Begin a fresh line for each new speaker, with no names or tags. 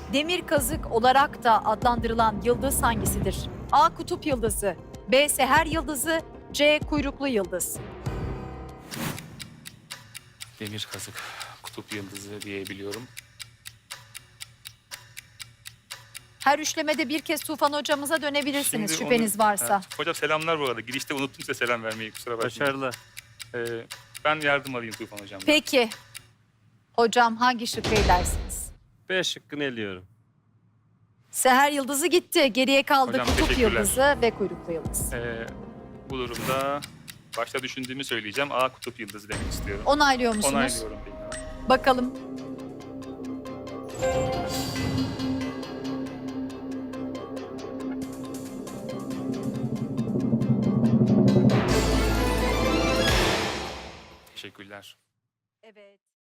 Demir kazık olarak da adlandırılan yıldız hangisidir? A. Kutup yıldızı, B. Seher yıldızı, C. Kuyruklu yıldız.
Demir kazık, kutup yıldızı diyebiliyorum.
Her üçlemede bir kez Tufan hocamıza dönebilirsiniz
Şimdi
şüpheniz varsa.
Ha, hocam selamlar bu arada. Girişte unuttum size selam vermeyi, kusura bakmayın.
Başarılı.
Ben yardım alayım Tufan hocamdan.
Peki. Hocam hangi şıkkı elersiniz?
B şıkkını eliyorum.
Seher yıldızı gitti. Geriye kaldı
Hocam,
kutup
teşekkürler.
yıldızı ve kuyruklu yıldız.
Bu durumda başta düşündüğümü söyleyeceğim. A kutup yıldızı demek istiyorum.
Onaylıyor musunuz?
Onaylıyorum benim.
Bakalım.
Teşekkürler.
Evet.